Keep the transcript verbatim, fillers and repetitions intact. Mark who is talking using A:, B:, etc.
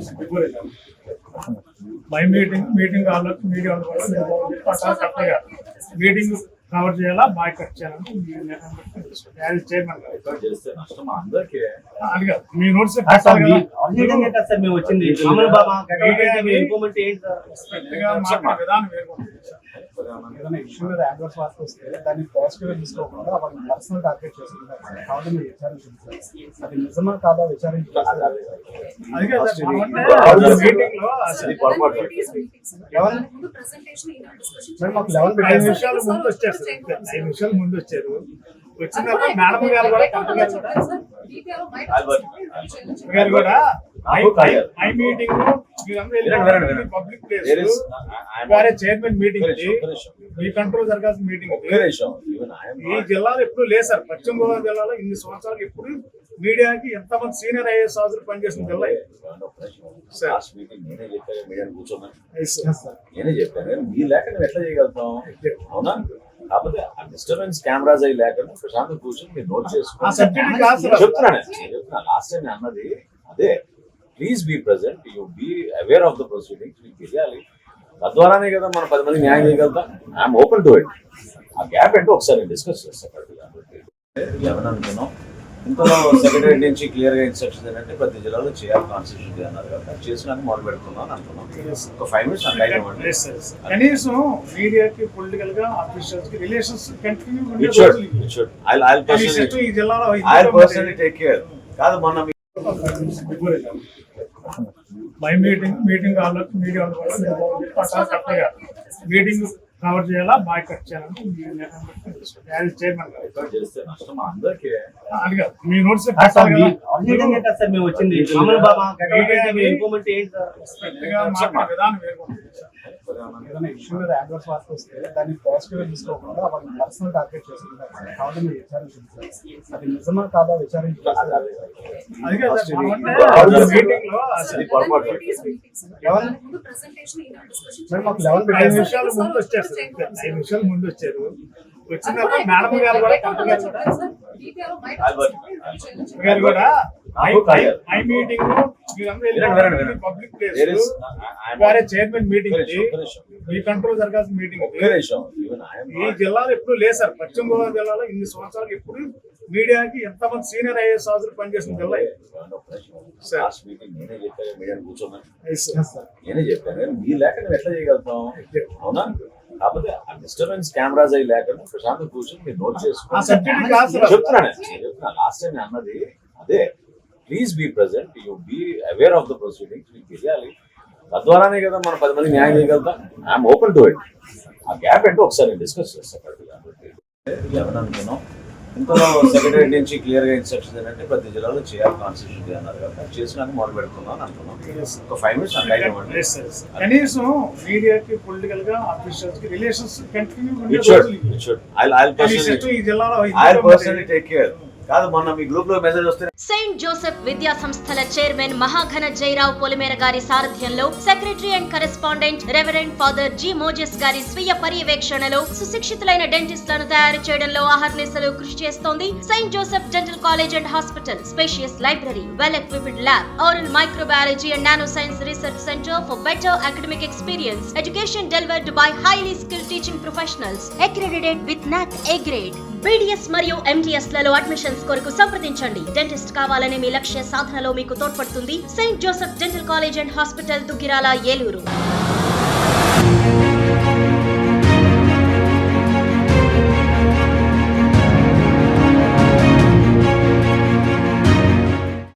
A: My meeting meeting వాళ్ళు media కరెక్ట్గా meeting cover చేయాలా బాయ్ కట్ చేయాలని చైర్మన్ మీ నోట్స్ విధానం ఏదైనా ఇష్యూ మీద యాడ్వర్స్ వార్త వస్తే దాన్ని పాజిటివ్ గా తీసుకోకుండా వాళ్ళని పర్సనల్ టార్గెట్ చేసుకుంటారు సార్. కాబట్టి మీరు విచారించాలి సార్. అది నిజమా కాదా విచారించాలి. మాకు లెవెన్ ఐదు నిమిషాల ముందు వచ్చారు సార్. ఐదు నిమిషాల ముందు వచ్చారు. వచ్చిన తర్వాత మేడం గారు కూడా కలెక్టర్ గారు కూడా గారు కూడా my meeting public place chairman meeting ఈ కంట్రోల్ జరగాల్సిన మీటింగ్ ఈ జిల్లాలో ఎప్పుడు లేదు సార్. పశ్చిమ గోదావరి జిల్లాలో ఇన్ని సంవత్సరాలకు ఎప్పుడు మీడియాకి ఎంతమంది సీనియర్ ఐఏఎస్ ఆఫీసర్ పనిచేసిన జిల్లా
B: నేనే చెప్పాను. మీ లేక నువ్వు ఎట్లా చేయగలుగుతాం? అవునా? కాకపోతే ఆ డిస్టర్బెన్స్ కెమెరాస్ అవి లేకుండా ప్రశాంతం కూర్చొని మీరు నోట్ చేసుకుని చెప్తున్నాను. చెప్తున్నా లాస్ట్ టైం అన్నది అదే. Please be present, you be aware of the proceedings. మీకు తెలియాలి. తద్వారానే కదా మనం పది మంది న్యాయం చేయగలుగుతాం. I'm open to it. ఆ గ్యాప్ ఏంటో ఒకసారి డిస్కస్ చేస్తాం. లెవెన్ అనుకున్నాం. ఇంతలో సెక్రటరీ నుంచి క్లియర్ గా ఇన్స్ట్రక్షన్ ఏంటంటే ప్రతి జిల్లాలో చేయాలి కాన్స్టిట్యూషన్ డే అన్నారు కదా. చేసినాక మొదలు పెడుతున్నాం అనుకున్నాం. ఒక ఫైవ్ మినిట్స్ అంటే
A: కనీసం మీడియాకి పొలిటికల్ గా ఆఫీషియల్స్ కి రిలేషన్స్ కంటిన్యూ ఈ జిల్లాలో
B: టేక్ కేర్ కాదు. మొన్న
A: మై మీటింగ్ మీటింగ్ వాళ్ళు మీడియా కరెక్ట్గా మీటింగ్ కవర్ చేయాలా బాయ్ కట్ చేయాలని చైర్మన్ మీ నోట్స్ విధానం ఏదైనా ఇష్యూ మీద యాడ్వర్స్ వార్త వస్తే దాన్ని పాజిటివ్ గా తీసుకోకుండా వాళ్ళని పర్సనల్ టార్గెట్ చేసుకుంటారు సార్. కాబట్టి మీరు విచారించాలి సార్. అది నిజమా కాదా విచారించాలి. మాకు లెవెన్ ఐదు నిమిషాల ముందు వచ్చారు సార్. ఐదు నిమిషాల ముందు వచ్చారు. వచ్చిన తర్వాత మేడం గారు కూడా కలెక్టర్ గారు కూడా my meeting public place chairman meeting ఈ కంట్రోల్ జరగాల్సిన మీటింగ్ ఈ జిల్లాలో ఎప్పుడు లేదు సార్. పశ్చిమ గోదావరి జిల్లాలో ఇన్ని సంవత్సరాలకు ఎప్పుడు మీడియాకి ఎంతమంది సీనియర్ ఐఏఎస్ ఆఫీసర్ పనిచేసిన జిల్లా
B: నేనే చెప్పాను. మీ లేక నువ్వు ఎట్లా చేయగలుగుతాం? అవునా? కాకపోతే ఆ డిస్టర్బెన్స్ కెమెరాస్ అవి లేకుండా ప్రశాంతం కూర్చొని మీరు నోట్ చేసుకుని చెప్తున్నాను. చెప్తున్నా లాస్ట్ టైం అన్నది అదే. Please be present, you be aware of the proceedings. మీకు తెలియాలి. తద్వారానే కదా మనం పది మంది న్యాయం చేయగలుగుతాం. I'm open to it. ఆ గ్యాప్ ఏంటో ఒకసారి డిస్కస్ చేస్తాం. లెవెన్ అనుకున్నాం. ఇంతలో సెక్రటరీ నుంచి క్లియర్ గా ఇన్స్ట్రక్షన్ ఏంటంటే ప్రతి జిల్లాలో చేయాలి కాన్స్టిట్యూషన్ డే అన్నారు కదా. చేసినాక మొదలు పెడుతున్నాం అనుకున్నాం. ఒక ఫైవ్ మినిట్స్ అంటే
A: కనీసం మీడియాకి పొలిటికల్ గా ఆఫీషియల్స్ కి రిలేషన్స్ కంటిన్యూ ఈ జిల్లాలో
B: టేక్ కేర్ కాదు. మొన్న మీ గ్రూప్ లో మెసేజ్ వస్తే
C: సెయింట్ జోసెఫ్ విద్యా సంస్థల చైర్మన్ మహాఘన జయరావు పొలిమేర గారి సారథ్యంలో secretary and correspondent reverend father G Moses గారి స్వీయ పర్యవేక్షణలో సుశిక్షితులైన డెంటిస్టులను తయారు చేయడంలో అహర్నిశలు కృషి చేస్తోంది saint Joseph dental college and hospital. Spacious library, well equipped lab, oral microbiology and nanoscience research center for better academic experience. Education delivered by highly skilled teaching professionals, accredited with N A C A grade. B D S మరియు M D S లలో admissions కొరకు సంప్రదించండి. Dentist కావాలనే మీ లక్ష్య సాధనలో మీకు తోడ్పడుతుంది saint Joseph dental college and hospital, Duggirala, Eluru.